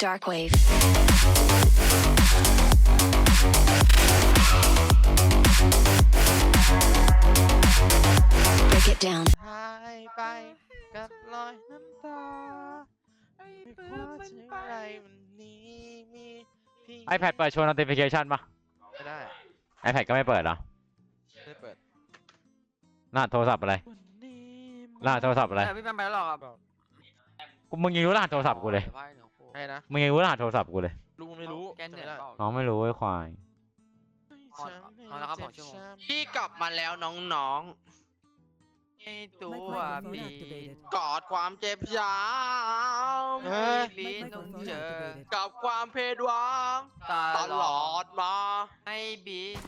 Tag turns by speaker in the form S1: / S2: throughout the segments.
S1: Darkwave. Break it down.
S2: หายไปกับรอยน้ำตาไม่ว่าจะอะไรวันนี้มีพี่
S3: iPad เปิดโชว์ notification ปะ
S2: ไม่ได้
S3: iPad ก็ไม่เปิดเหรอ
S2: ไม่ได้เปิด
S3: รหัสโทรศัพท์อะไร
S2: วันนี้
S3: รหัสโทรศัพท์อะไร
S4: พี่แปมไปแล้วหรอครับ
S3: มึงยังรู้รหัสโทรศัพท์กูเลย
S2: ให้นะ
S3: มึงยังรู้รหัสโทรศัพท์กูเลย
S2: ลุงไม่รู้
S4: แกนเน็ต
S2: จำไม่ได้
S4: เปล่า
S3: น้องไม่รู้ไอ้ควาย
S4: เอาละครับผมชั่วโมง
S5: พี่กลับมาแล้วน้อง
S4: ไอ้ตัว
S6: Microphone
S4: บี
S6: activated.
S5: ๆ กอดความเจ็บช้
S2: เฮ้ย
S4: ลิ้นต้อง
S6: Microphone
S4: เจอ
S6: activated.
S5: ำกับความเพดหวังตลอดมา
S4: ให้บี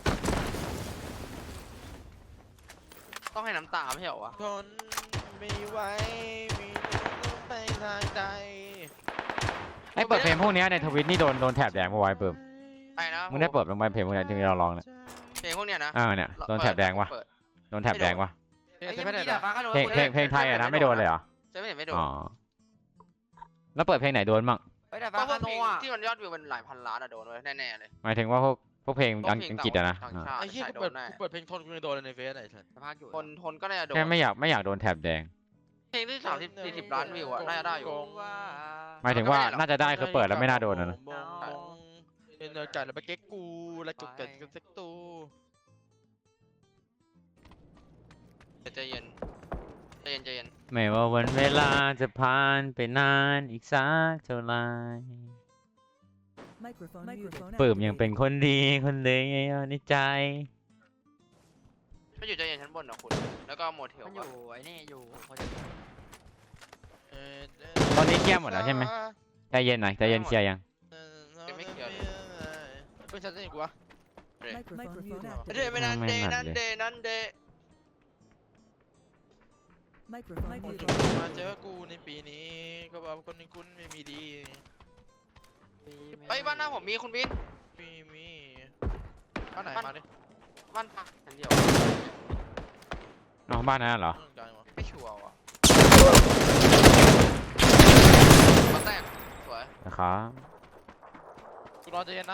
S5: ต้องให้น้ำตาไม่ใช่เหรอวะ
S2: ทนไม่ไหวมีต้องไปทางใด
S3: ไอ้เปิดเพลงพวกเนี้ยในทวิตนี่โดนแถบแดงมาไว้เปิ่ม
S5: ไปนะ
S3: มึงได้เปิดลงไปเพลงพวกเนี้ยที่เราลองเนี่ย
S5: เพลงพวกเนี้ยนะ
S3: เนี่ยโดนแถบแดงวะ
S5: เปิด
S3: โดนแถบแดงวะ
S2: เฮ้ย
S4: ไอ้
S2: จะ
S4: ยัง
S2: ไม่
S4: ไม่
S2: ได้
S4: ได้
S2: เหรอ
S4: ฟ้าก็โดน
S3: เพลงไทยอะนะไม่โดนเลยเหรอ
S5: จะไม่เห็นไม่โดน
S3: อ๋อแล้วเปิดเพลงไหนโดนมั่ง
S4: ไอ้แต่
S5: ก็
S4: ฟ้า
S5: พว
S4: คาก โน
S5: เพลง
S4: อ่ะ
S5: ที่มันยอดวิวเป็นหลายพันล้านอะโดนเลยแน่ๆเลย
S3: หมายถึงว่าพวกเพลง
S5: พวกเพลง
S3: อังกฤษอะนะ
S5: ต่างชาติ
S2: ไอ้เหี้ย
S5: ใช่
S2: กู
S5: โด
S2: เปิด
S5: นแน่
S2: กูเปิดเพลงทนกูยังโดนเลยในเฟซไอ้สัส
S4: สภาพอยู่
S5: คนก็น่าจะโดน
S3: แค่ไม่อยากโดนแถบแดง
S5: เพลงที่30-40 ล้านวิวอะน่าจะได้อยู่
S4: ว่า
S3: หมายถึงว่าน่าจะได้คือเปิดแล้วไม่น่าโดนนะ
S2: เป็นเนื้อไก่แล้วไปเก๊กกูแล้วจุกเกิดกันสักตู
S5: ใจเย็นใจเย็นใจเย็น
S3: ไม่ว่าวันเวลาจะผ่านไปนานอีกสักเท่าไหร่
S6: Microphone
S3: เปิ่ม
S6: muted.
S3: ยังเป็นคนดีคนเดียวในใจ
S5: ถ้าอยู่ใจเย็นชั้นบนนะคุณแล้วก็โมเทล
S4: มันอยู่ไอ้นี่อยู่พอดี
S3: ตอนนี้เคลียร์หมดแล้วใช่ไหม ใจเย็นหน่อยใจเย็นเคลียร์ยัง
S2: เป็นฉันจะเห็นกูวะ
S6: Microphone
S5: เด
S6: muted.
S5: ไม่นันเดนันเดนันเด
S6: Microphone
S2: คน
S6: muted.
S2: มาเจอกูในปีนี้ก็บอกคนนี้คุณไม่มีดี
S5: เฮ้ยบ้านหน้าผมมีคุณบิน
S2: มีบ้านไหนมาดิ
S5: บ้านพักชั้นเดียว
S3: น้องบ้านนั้นเหรอ
S2: กลางวะ
S5: ไม่ชัวร์ว่ะมาแตกสวย
S3: นะครับ
S2: กูรอใจเย็นนะ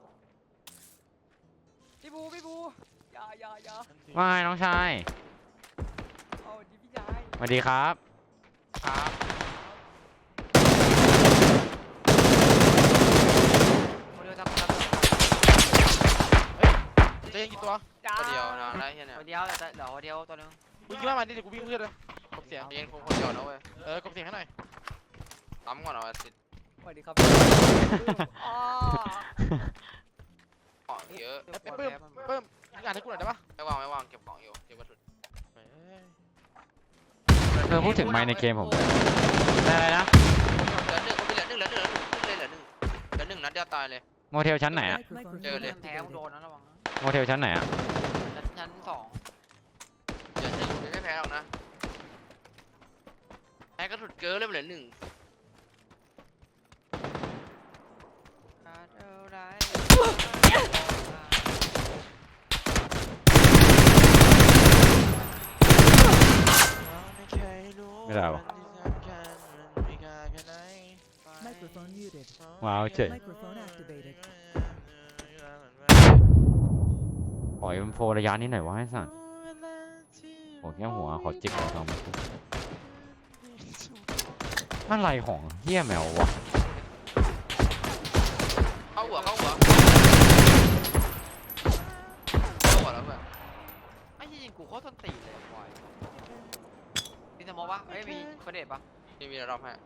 S4: พี่บูอย่า
S3: ว่าไงน้องชาย
S4: เอาดิพี่ชาย
S3: สวัสดีครับ
S5: ครับ
S4: โมเดลทำ
S2: ใจเย็นกี่ตัว
S5: คนเดียวนะได้เฮียเนี่ย
S4: คนเดียวแต่เดี๋ยวคนเดียวตัวนึง
S2: มึงคิดว่ามันนี่เดี๋ยวกูวิ่งเพื่อนเลยกบเสียง
S5: ใจเย็นคนเดียวนะเว้ย
S2: กบเสียงให้หน่อย
S5: ล้ำก่อนเอาสิ
S4: สวัสดีครับ
S5: ของเยอะ
S2: เพิ่มมึงอ่านให้กูหน่อยได้ปะ
S5: ไม่วางเก็บของอยู่เก็บกระสุน
S3: พูดถึงไมค์ในเกมผมได้อะไรนะ
S5: เหลือหนึ่งคนเหลือหนึ่งนัดเดียวตายเลย
S3: โมเทลชั้นไหนอะ
S6: Microphone
S5: เจอเลย
S4: แพ้โด
S6: activated.
S4: นนะระวังนะ
S3: โมเทลชั้นไหนอะ
S4: ชั้นสอง
S5: เหลือหนึ่งไม่แพ้หรอกนะแพ้กระสุนเกินเลยเหลือหนึ่ง
S3: ไม่ได้วะ
S6: Microphone muted.
S3: ว้าวเจ๋ง
S6: Microphone activated.
S3: ขออินโฟระยะนี้หน่อยวะไอ้สัสโอ้แค่หัวขอจิกหัวทองมาสิอะไรของเฮี้ยแมววะ
S5: เข้าหัวแล้วเพื่อน
S4: ไอ้ที่ยิงกูโคตรต้นตีเลยบอยมีสมองปะเอ้ยมีประเด็นปะ
S5: มีรอบให้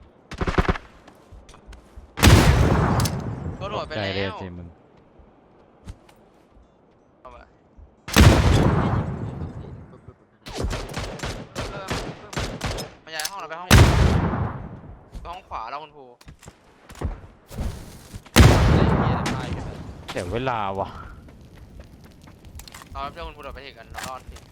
S5: ก็โดดไป
S3: ใจ
S5: แล้ว
S3: เลยสิมึง
S5: มาย้ายห้องเราไปห้องขวาแล้วคุณครู
S3: เสียเวลาวะ
S5: เราเพื่อนคุณครูโดดไปถึงกันเรารอดสิ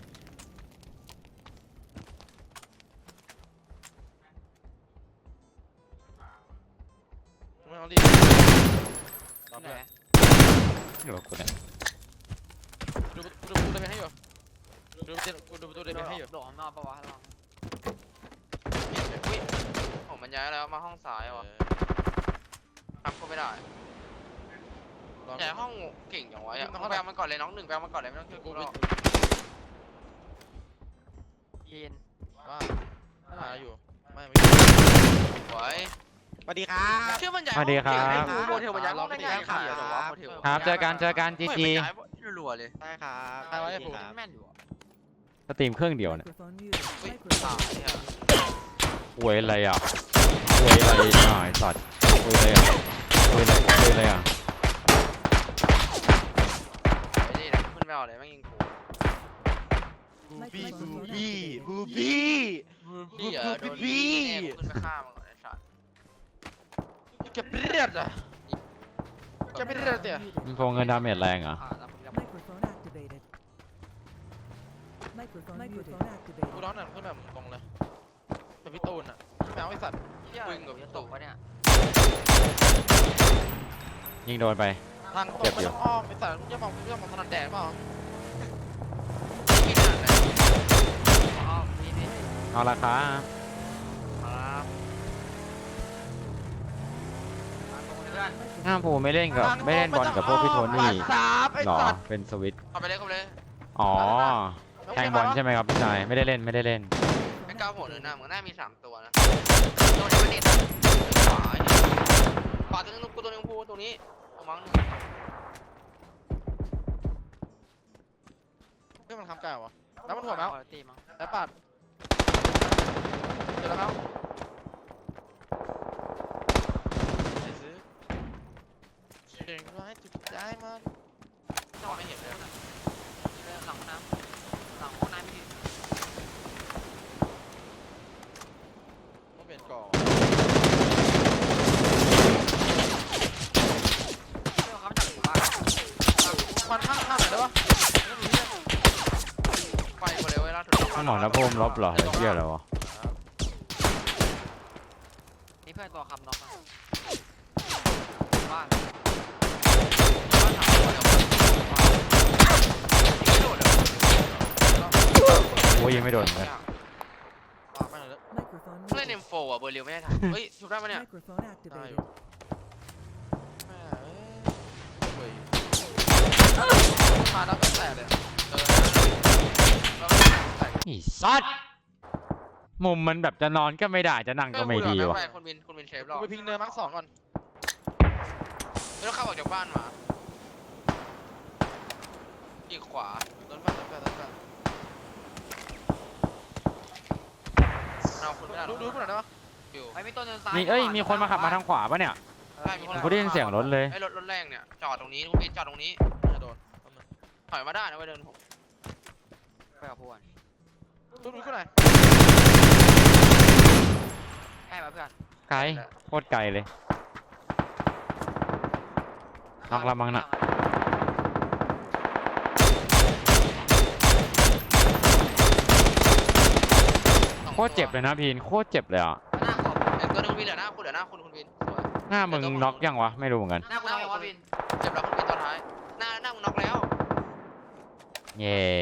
S2: ไม่เอาดิ
S4: ไหน
S3: เดี๋ยวกูเนี่ย
S2: ดูตัวเป็นให้อยู่ดูตัวเป็นให้อยู่
S4: โดดข้างนอกปะวะระวัง
S5: อุ้ยผมมันย้ายแล้วมาห้องซ้ายว่ะทำก็ไม่ได้แต่ห้องเก่งอย่างไว้อะแปลมันก่อนเลยน้องหนึ่งแปลมันก่อนเลยไม่ต้องช่วยกูหรอก
S4: ยีน
S2: ว่าหาอยู่ไม่
S5: ไว้
S2: สวัสดีครับ
S5: เชื่อมันใหญ่
S3: สวัสดีครับ
S5: โมเทลมันย้ายห้องได้ไงครับเหรอวะโมเทล
S3: ครับเจอกันจีจี
S5: รัวๆเลย
S2: ได้ครับใครไว้ให้ผม
S4: แม่นอยู่อะ
S3: สตรีมเครื่องเดียวเนี่ย
S6: Microphone muted.
S5: ตาย
S6: Microphone
S5: เนี่ย
S3: อวยอะไรอ่ะอวยอะไรอ่ะไอ้สัตว์อวยอะไรอ่ะอวยอะไรอ่ะ
S5: ไอ้นี่นะขึ้นไม่เอาเลยแม่งยิงกู
S2: บูบี้บูบี้
S5: พี่อ่ะโดน
S2: บี้
S5: แม่กูขึ้นไปฆ่ามันก่อนไอ้สัตว์
S2: เก็บเลือดอ่ะ จะไม่ได้เลยเดี๋ยว
S6: muted.
S3: มันโฟงเงินดาเมจแรงเหรอ่ะ
S4: แล้วผมจะ
S6: Microphone activated. Microphone activated.
S2: กูร้อนหนังขึ้นแบบตรงเลยเป็นพี่ตูนอ่ะแมวไอสัตว์
S5: วิ่งกับตก
S4: วะเนี่ย
S3: ยิงโดนไป
S2: ทางตรงไม่ต้องอ้อมไอสัตว์มึงจะมองถนัดแดดเปล่า
S5: ไม่นานเลย
S4: อ๋อมีนี่
S3: เอาราคา
S4: ครับมาตรงเพื่อน
S3: ห้ามผูไม่เล่นกับไม่เล่นบอลกับพวกพี่โทนี่
S2: สามไอ
S3: หรอ
S2: สัตว์
S3: เป็นสวิตช์
S5: เข้าไปเลยเข้าไปเลย
S3: อ๋อแทงบอลใช่ไหมครับพี่ชายไม่ได้เล่น
S5: ไอ้
S6: Microphone
S5: ก้าวหัวหนึ่ง
S6: activated.
S5: หน้ามึงหน้ามี3ตัวนะโดนยังไม่ติดขวาขวาตัวนึงกูตัวนึงพูตัวนี้ตัวมั้ง
S2: เรื่องมันทำไก่วะแล้วมันหัวแมว
S4: ตีมั้ง
S2: แล้วปัดเจอแล้วแมวไปซื้อเก่งร้ายจุดใจมัน
S5: จังหวะไม่เห็นเลย
S4: หลังน้ำหลังห้องน้ำพี่
S2: ต้องเปลี่ยนก่อน
S4: เรื่องเขาจากหมู่บ้าน
S2: มันข้างไหนได้ปะ
S5: ไฟกูเลยเว้ยล่าสุด
S3: สมองนะพมลบเหรอไอ้เหี้ยอะไรวะ
S4: นี่เพื่อนตัวคำน็อกนะบ้าน
S3: โอ้ยยังไม่โดนเลย
S2: ปาไม่เลย
S6: Microphone
S5: เล่น
S6: muted.
S5: M4 อ่ะเบอร์เรียวไม่ได้ทันเฮ้ยชุบได้ปะเนี่ย
S6: Microphone
S2: ได้
S6: activated.
S2: อยู่แม่เอ้ยมาแล้วก็แตกเลย
S3: อีสัตว์มุมมันแบบจะนอนก็ไม่ได้จะนั่งก็ไม่ดีวะ
S5: คุณบินเชฟหร
S2: กู
S5: อ
S2: ไปพิงเนินมาร์ค2ก่อน
S5: ไม่ต้องเข้าออกจากบ้านมาอีกขวา
S2: โดนบ้านโดนบ้านโดนบ้าน
S5: เราคุณไม่ได้หร
S2: ดู
S5: อก
S2: กูหน่อยได้ปะ
S5: อยู่
S4: ไอ้มีต้นเดินซ้าย
S3: มีมีคนมาขับมาทางขวาปะเนี่ย ผมก็ได้ยินเสียงรถเลย
S5: ไอ้รถแรงเนี่ยจอดตรงนี้คุณบินจอดตรงนี้
S2: จะโดน
S5: ถอยมาได้นะไว้เดินผม
S4: ไปกับพวน
S2: ดูกูหน่อย
S4: ใกล้มาเพื่อน
S3: ไกลโคตรไกลเลยนอกละมังน่ะโคตรเจ็บเลยนะพีนโคตรเจ็บเลยอ่ะ
S4: หน้าขอบ
S5: ตัวนึงคุณบินเหลือหน้าคุณเหลือหน้าคุณบินสวย
S3: หน้ามึงน็อกยังวะไม่รู้เหมือนกัน
S4: หน้าคุณเอาไว้ว่าบิน
S5: เจ็บแล้วคุณบินตอนท้ายหน้ามึงน็อกแล้ว
S3: เย่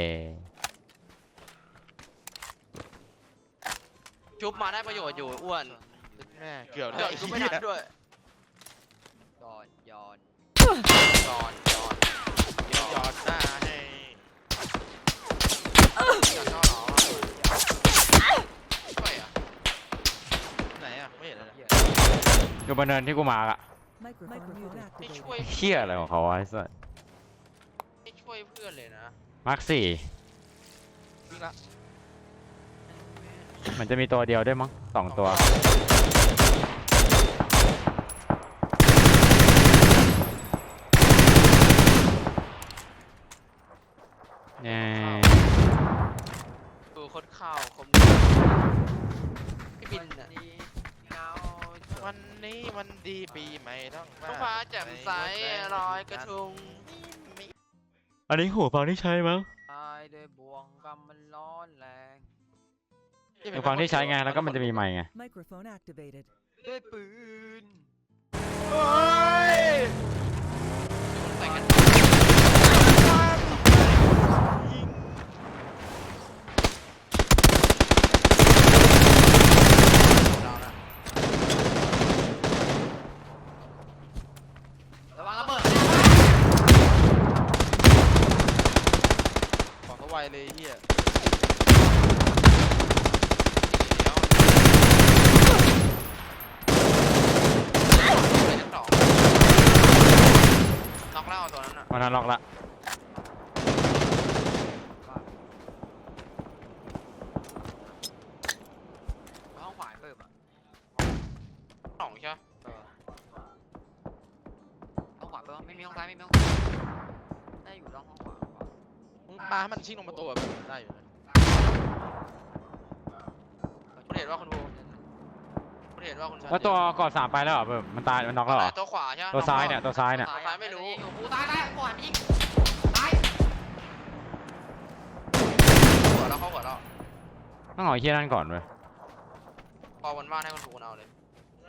S5: ชุบมาได้ประโยชน์อยู่อ้วน
S2: แม่เกี่ยว
S5: เดี๋ยวชุบไม่ทันด้วย
S4: ย้อน
S5: จอน
S2: หยอดหน้าให้
S5: จอนหรอช่วยอ่ะ
S2: ไหนอ่ะไม่เห็นเลย
S3: อยู่บนเนินที่กูมาอะ
S6: Microphone
S5: ไม่
S6: activated.
S5: ช่วย
S3: เชี่ยอะไรของเขาวะไอ้สัส
S5: ไม่ช่วยเพื่อนเลยนะ
S3: มาร์คสี่
S2: วิ่งละ
S3: มันจะมีตัวเดียวได้วยมั้ง2 ตัวเนี่ย
S5: ดูโคตรข้าวคมพี่บินอ่ะ
S4: นี้เงา
S2: วันนี้วันดีปีใหม่ต้องมา
S5: ท้องฟ้าแจ่มใสลอยกระทง
S3: อันนี้หูฟังที่ใช้มั้ง
S4: ตายด้วยบ่วงกรรมมันร้อนแรง
S3: หูฟังที่ใช้ไงแล้วก็มันจะมีไมค์ไง
S6: Microphone activated.
S4: ด้วยปืน
S2: โอ้ย
S5: ใส่กัน
S2: ยิง
S5: ดาวนะ
S3: มันล็อกละ
S4: ห้องขวาเปิดอ่ะ
S5: สองใช่ไหม
S4: ห้องขวาเปิดไม่มีห้องซ้ายไม่มีห้องขวาได้อยู่ห้องขวา
S2: มึงปาให้มันชิ่งลงประตูแบบได้อยู่เลย
S5: คุณเห็นว่าคุณภูคุณเห็นว่าคุณชัน
S3: แล้วตัวกอด3ไปแล้วเหรอเพิ่มมันตายมันน็อกแล้วเหรอ
S5: ตัวขวาใช่ไหม
S3: ตัวซ้ายเนี่ยตัวซ้ายเนี่ย
S5: ตัวซ้ายไม่รู้
S4: อยู่กูตายได้กูหันไปยิงตาย
S5: หัวเราเข้าหัวเรา
S3: ต้องเอาไอ้เฮียนั่นก่อนเว้ย
S5: พอวันว่างให้คุณภูเอาเลย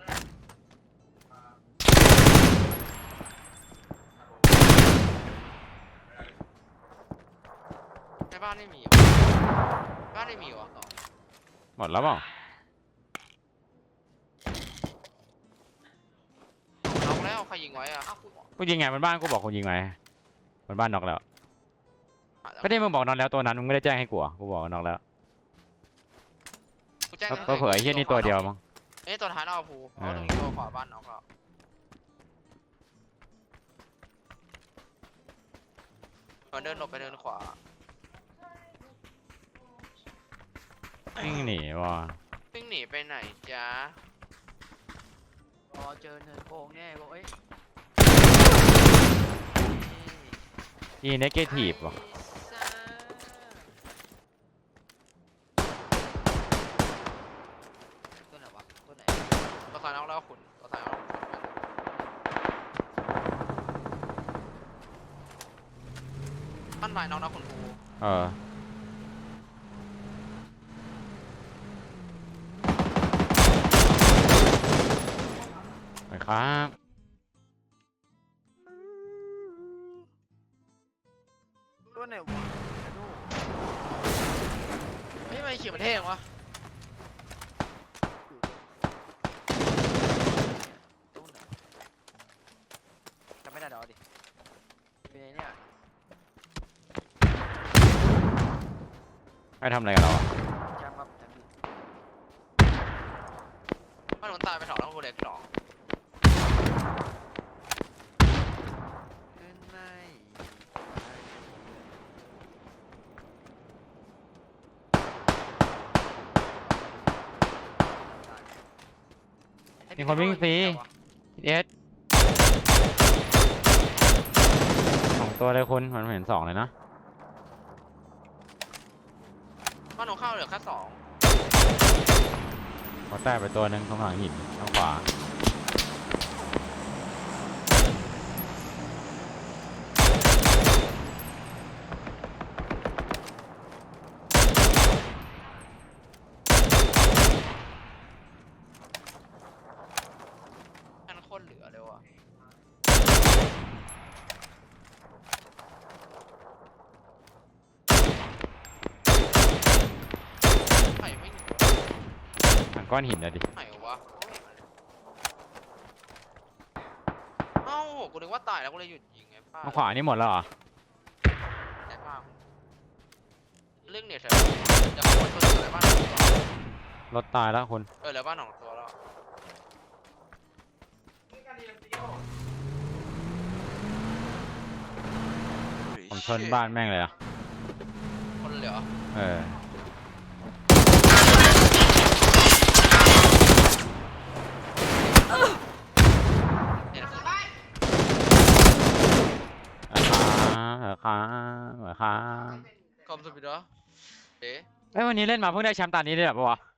S5: ในบ้านไม่มีบ้านไม่มีวะ
S3: หมดแล้วเปล่า
S5: เอาแล้วใครยิงไว้อะ
S3: กูยิงไงมันบ้านกูบอกกูยิงไงมันบ้านน็อกแล้วก็ได้มึงบอกน็อกแล้วตัวนั้นมึงไม่ได้แจ้งให้กูอ่ะกูบอกว่าน็อกแล้ว
S5: กูแจ้ง
S3: ก็เผยไอ้เฮียนี่ตัวเดียวมั้ง
S5: เอ้ยตัวท้ายนอกภูเพราะตรงนี้ตัวขวาบ้านนอกแล้วมันเดินหลบไปเดินขวา
S3: วิ่งหนีว่ะ
S5: วิ่งหนีไปไหนจ๊ะ
S4: พอเจอเนินโค้งเนี่ยบอกเอ้ย
S3: อีเนกาทีฟว่ะ
S4: ตัวไหนวะตัวไหน
S5: ตัวท้ายนอกแล้วขุนตัวท้ายนอกบ้านลายนอกนะขุนภู
S3: เออไปครับ
S4: ตัวไหนวะ
S5: เฮ้ยทำไมขี่มันเท่จังวะ
S4: ตัวไหนจำไม่ได้เดี๋ยวดิเป็นไงเนี่ย
S3: ไปทำอะไรกันเราอ่ะ
S4: จำครับจำดิ
S5: บ้านหนุนตายไปสองแล้วขุนเด็กสอง
S4: ขึ้นไม่
S3: มีคนวิ่งฟรีเอส2ตัวเลยคุณมันเห็น2เลยนะ
S5: บ้านหนูเข้าเหลือแค่สอง
S3: เขาแตกไปตัวหนึ่งตรงหลังหินทางขวา
S5: นั่นโคตรเหลือเลยว่ะไหนไม่อยู่
S3: ทางก้อนหินอะดิ
S5: ไหนวะเอ้ากูนึกว่าตายแล้วกูเลยหยุดยิงไงป้า
S3: ทางขวานี่หมดแล้วเหรอ
S5: ได้ป้าเรื่องเนี่ยเถอะจะขโมยตัวเหลือบ้านหนองตัว
S3: รถตายแล้วคุณ
S5: เหลือบ้านหนองตัวแล้ว
S3: ผมชนบ้านแม่งเลยอ่ะ
S5: คนเหลือ
S3: เออ
S5: เดี๋ยวนะ
S3: ขา
S5: คอมสปิดเหรอเอ๊ะ
S3: เอ้ยวันนี้เล่นมาเพิ่งได้แชมป์ตานี้ได้แบบปะวะ